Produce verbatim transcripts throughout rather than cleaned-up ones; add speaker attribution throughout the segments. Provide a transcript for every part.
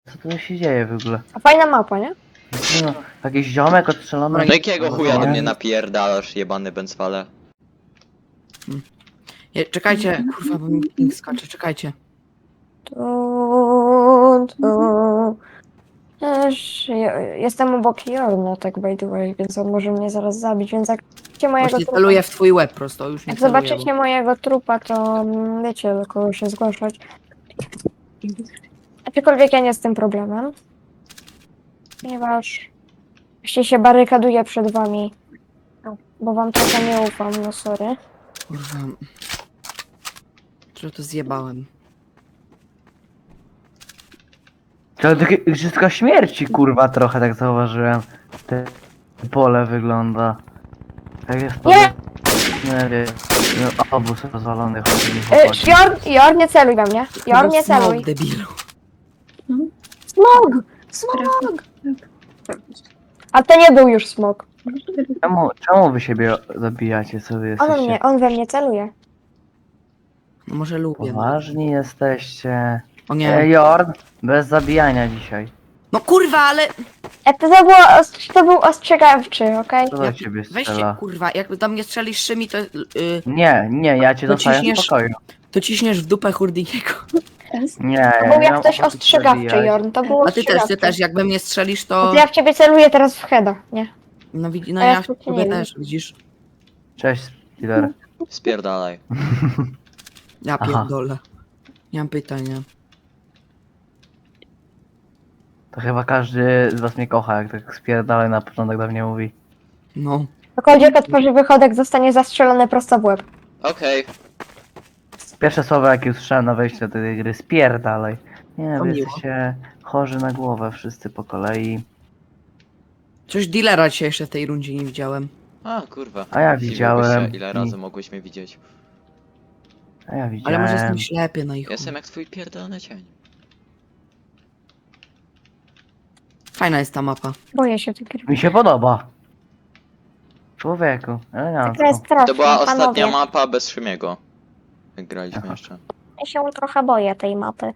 Speaker 1: Co tu się dzieje w ogóle?
Speaker 2: A fajna mapa, nie?
Speaker 1: No, jakiś ziomek odstrzelony.
Speaker 3: No jakiego chuja do
Speaker 1: Nie.
Speaker 3: mnie napierdalasz, jebany bęcwale?
Speaker 4: Je, czekajcie, kurwa, bo mi ping skacze, czekajcie.
Speaker 2: Tu, tu. Też, ja- jestem obok Jorna, tak by the way, więc on może mnie zaraz zabić, więc jak zobaczycie mojego
Speaker 4: Właśnie
Speaker 2: trupa,
Speaker 4: celuję w twój łeb prosto, już nie
Speaker 2: jak
Speaker 4: celuję,
Speaker 2: zobaczycie mojego trupa, to mm, wiecie, do kogo się zgłaszać. Aczkolwiek ja nie z tym problemem. Ponieważ jeśli się barykaduję przed wami, no, bo wam trochę nie ufam, no sorry.
Speaker 4: bo... Kurwa... Że to zjebałem.
Speaker 1: To takie igrzyska śmierci, kurwa, trochę tak zauważyłem. Te pole wygląda. Tak jest to.
Speaker 2: Nie!
Speaker 1: Nie wiem. No, obóz rozwalony, chodzi mi
Speaker 2: Y,
Speaker 1: chłopaki.
Speaker 2: Jorn, Jorn, nie celuj we mnie. Jorn, nie
Speaker 4: Smok,
Speaker 2: celuj.
Speaker 4: debilu.
Speaker 2: Smog! Smog! A to nie był już smog.
Speaker 1: Czemu, czemu wy siebie zabijacie, co wy
Speaker 2: On,
Speaker 1: jesteście?
Speaker 2: mnie, on we mnie celuje.
Speaker 4: No może lubię.
Speaker 1: Poważni jesteście.
Speaker 4: O nie.
Speaker 1: Ej, Jorn, bez zabijania dzisiaj.
Speaker 4: No kurwa, ale...
Speaker 2: E, to, to, było, os- to był ostrzegawczy, okej?
Speaker 1: Co do
Speaker 4: Ja-
Speaker 1: ciebie
Speaker 4: Weźcie,
Speaker 1: strzela?
Speaker 4: kurwa, jak do mnie strzelisz szymi, to... Yy,
Speaker 1: Nie, nie, ja cię
Speaker 4: To
Speaker 1: dostaję w
Speaker 4: ciśniesz-
Speaker 1: spokoju.
Speaker 4: to ciśniesz w dupę Hurdiniego.
Speaker 1: Nie,
Speaker 2: To
Speaker 1: ja
Speaker 2: był
Speaker 1: nie
Speaker 2: jak
Speaker 1: mam
Speaker 2: ktoś
Speaker 1: ochoty
Speaker 2: ostrzegawczy,
Speaker 1: zabijać.
Speaker 2: Jorn. To był
Speaker 4: A ty też,
Speaker 2: ostrzegawczy.
Speaker 4: ty też, jak we mnie strzelisz,
Speaker 2: To
Speaker 4: to...
Speaker 2: ja w ciebie celuję teraz w heada, nie?
Speaker 4: No, widzi, no
Speaker 2: A ja
Speaker 4: ja w
Speaker 2: tu cię
Speaker 4: ciebie
Speaker 2: nie
Speaker 4: też, widzisz?
Speaker 1: Cześć, Killer.
Speaker 3: Spierdalaj.
Speaker 4: Ja
Speaker 1: Aha.
Speaker 4: pierdolę. Nie mam pytania.
Speaker 1: To chyba każdy z was mnie kocha, jak tak spierdalaj na początek do mnie mówi.
Speaker 4: No.
Speaker 2: Ktokolwiek otworzy wychodek, zostanie zastrzelony prosto w łeb.
Speaker 3: Okej.
Speaker 1: Pierwsze słowo jakie usłyszałem na wejściu do tej gry, spierdalaj. Nie,
Speaker 4: To
Speaker 1: wy
Speaker 4: miło.
Speaker 1: jesteście chorzy na głowę wszyscy po kolei.
Speaker 4: Coś dealera dzisiaj jeszcze w tej rundzie nie widziałem.
Speaker 3: A kurwa.
Speaker 1: A ja
Speaker 3: Dziwiłbyś
Speaker 1: widziałem
Speaker 3: się, ile
Speaker 1: i-
Speaker 3: razy mogłeś mnie widzieć.
Speaker 1: A ja
Speaker 4: Ale
Speaker 1: widziałem.
Speaker 4: może jestem ślepy na ich.
Speaker 3: Jestem jak twój pierdolony cień.
Speaker 4: Fajna jest ta mapa.
Speaker 2: Boję się tej gry.
Speaker 1: Mi się podoba. Człowieku,
Speaker 2: Ta gra jest
Speaker 1: elegancko.
Speaker 2: straszna,
Speaker 3: To była
Speaker 2: panowie.
Speaker 3: ostatnia mapa bez Szymiego. Jak graliśmy
Speaker 1: Aha.
Speaker 3: jeszcze.
Speaker 2: Ja się trochę boję tej mapy.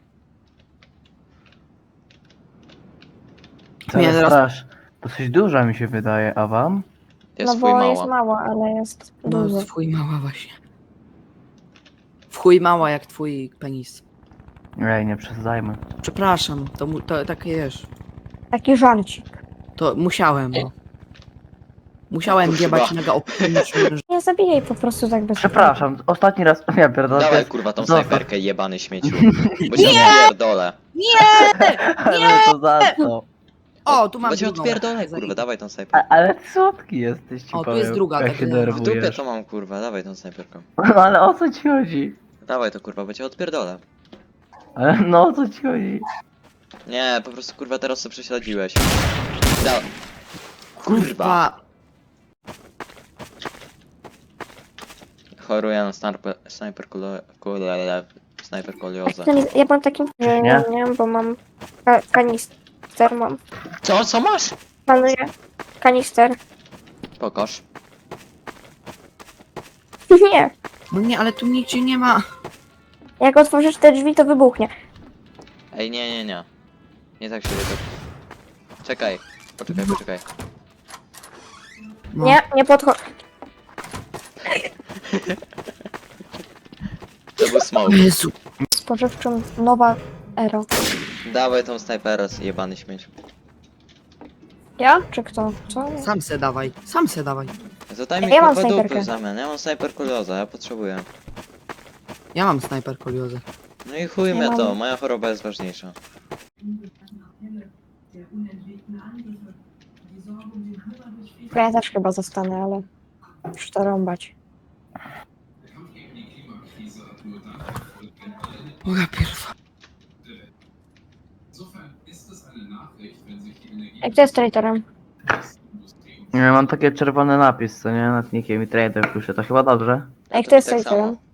Speaker 1: Co
Speaker 4: Nie,
Speaker 1: nie,
Speaker 4: teraz-
Speaker 1: strasz. Dosyć duża mi się wydaje, a wam?
Speaker 3: Jest
Speaker 2: no
Speaker 3: twój
Speaker 2: bo
Speaker 3: mała.
Speaker 2: jest mała, ale jest
Speaker 4: No,
Speaker 2: dużo.
Speaker 4: w chuj mała właśnie. W chuj mała jak twój penis.
Speaker 1: Ej, nie przesadzajmy.
Speaker 4: Przepraszam, to, mu, to takie jest.
Speaker 2: Taki żarcik.
Speaker 4: To musiałem, no. Musiałem
Speaker 3: Kurwa.
Speaker 4: jebać mega optymistyczny.
Speaker 2: Nie zabijaj po prostu tak bez
Speaker 1: Przepraszam, ostatni raz, ja pierdolę. to
Speaker 3: Dawaj
Speaker 1: jest-
Speaker 3: kurwa tą
Speaker 1: Zostaw.
Speaker 3: snajperkę jebany śmieciu. Bo cię odpierdolę.
Speaker 1: Ale to za co?
Speaker 4: O, tu mam
Speaker 3: Bo cię
Speaker 4: drugą.
Speaker 3: odpierdolę kurwa, dawaj tą snajperkę.
Speaker 1: A, ale słodki jesteś, ci
Speaker 4: O, tu
Speaker 1: powiem,
Speaker 4: jest druga,
Speaker 1: jak
Speaker 4: tak
Speaker 1: się
Speaker 4: ja- w
Speaker 3: W
Speaker 1: denerwujesz.
Speaker 3: dupie to mam kurwa, dawaj tą snajperką.
Speaker 1: No ale o co ci chodzi?
Speaker 3: Dawaj to kurwa, bo cię odpierdolę.
Speaker 1: Ale no o co ci chodzi?
Speaker 3: Nie, po prostu kurwa teraz co prześledziłeś. Da... Kurwa.
Speaker 4: Kurwa.
Speaker 3: Choruję na snajper, snajper kule, kule, snajper kolioza.
Speaker 2: Ja mam takim, że
Speaker 1: Nie?
Speaker 2: nie, nie, bo mam ka kanister, mam.
Speaker 3: Co, co masz?
Speaker 2: Planuję kanister.
Speaker 3: Pokaż.
Speaker 2: Nie,
Speaker 4: No nie, ale tu nigdzie nie ma.
Speaker 2: jak otworzysz te drzwi, to wybuchnie.
Speaker 3: Ej, nie, nie, nie. Nie tak się to... Czekaj. Poczekaj, poczekaj.
Speaker 4: No.
Speaker 2: Nie, nie podchodź.
Speaker 3: To był smoke.
Speaker 4: Jezu.
Speaker 2: Spożywczym nowa era.
Speaker 3: Dawaj tą snajperę, jebany śmieć.
Speaker 2: Ja? Czy kto? Co?
Speaker 4: Sam se dawaj, sam se dawaj.
Speaker 3: Zadaj mi
Speaker 2: Ja mam
Speaker 3: kurwa dupy
Speaker 2: snajperkę.
Speaker 3: w zamian. Ja mam snajper kolioza, ja potrzebuję.
Speaker 4: Ja mam snajper koliozę.
Speaker 3: No i chuj
Speaker 2: Ja
Speaker 3: mnie
Speaker 2: mam-
Speaker 3: to, moja choroba jest ważniejsza.
Speaker 2: Ja też chyba zostanę, ale już to rąbać.
Speaker 4: Moja pierwa.
Speaker 2: Jak kto jest traitorem?
Speaker 1: Ja mam takie czerwony napis, co nie? Nad nikiem i trader pisze, to chyba dobrze?
Speaker 2: Jak kto jest
Speaker 3: tak
Speaker 2: traitorem?
Speaker 3: samo.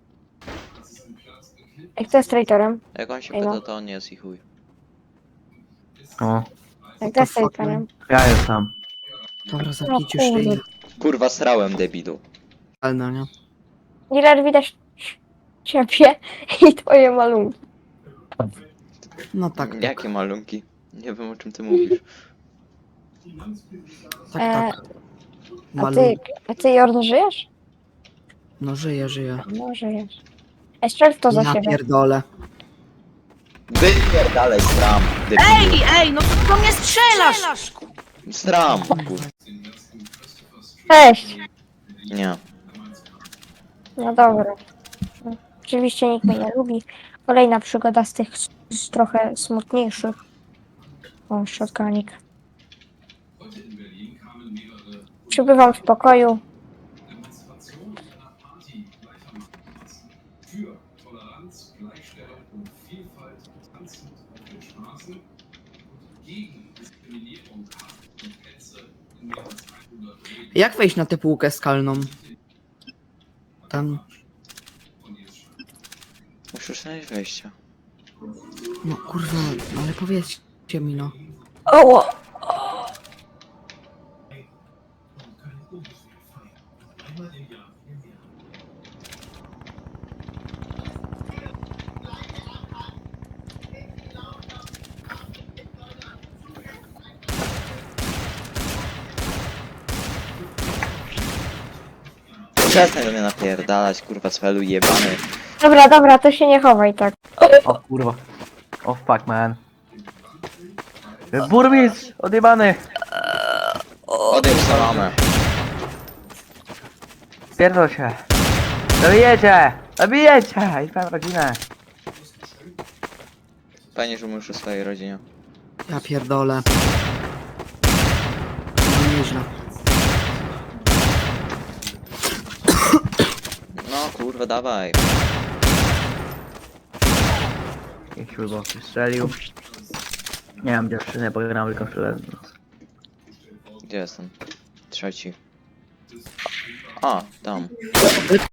Speaker 2: Jak kto jest traitorem?
Speaker 3: Jak on się
Speaker 2: Ej, no.
Speaker 3: pyta, to on jest i chuj.
Speaker 1: O,
Speaker 2: Jak kto jest
Speaker 4: the fuck,
Speaker 2: traitorem?
Speaker 1: ja jestem.
Speaker 4: Dobra,
Speaker 2: No
Speaker 4: zamknijcie już
Speaker 2: kurde.
Speaker 4: szyję.
Speaker 3: Kurwa, srałem debilu.
Speaker 4: Ale no nie.
Speaker 2: Dealer, widać ciebie i twoje malunki.
Speaker 4: No tak, tak.
Speaker 3: Jakie malunki? Nie wiem o czym ty mówisz.
Speaker 4: Tak,
Speaker 2: E,
Speaker 4: tak.
Speaker 2: A
Speaker 4: Malu...
Speaker 2: ty, a ty Jorn żyjesz?
Speaker 4: No żyje, żyje.
Speaker 2: No żyjesz. Ej, strzel w to za
Speaker 4: Ja
Speaker 2: siebie.
Speaker 4: pierdolę.
Speaker 3: Wypierdalaj, sram, debilu.
Speaker 4: Ej, ej, no to do mnie strzelasz!
Speaker 3: Sram, kurwa.
Speaker 2: Cześć!
Speaker 3: Nie.
Speaker 2: No dobra. Oczywiście nikt mnie nie lubi. Kolejna przygoda z tych s- z trochę smutniejszych. O, shotgunik. Przybywam w pokoju.
Speaker 4: Jak wejść na tę półkę skalną? Tam.
Speaker 3: Musisz znaleźć wejście.
Speaker 4: No kurwa, ale powiedzcie mi no.
Speaker 2: Oło!
Speaker 3: Przestań do mnie napierdalać, kurwa, cwelu jebany.
Speaker 2: Dobra, dobra, to się nie chowaj tak.
Speaker 1: O kurwa. O fuck man. Burmistrz! Odjebany!
Speaker 3: Odejdź salamę.
Speaker 1: Pierdol się! Zabijecie! Zabijecie! I twoją rodzinę!
Speaker 3: Fajnie, że mówisz o swojej rodzinie.
Speaker 4: Ja pierdolę. No nieźle.
Speaker 3: No kurwa, dawaj.
Speaker 1: Niech śrubowy strzelił. Nie mam dziewczyny, bo gram tylko w
Speaker 3: Gdzie jestem? Trzeci. A, tam.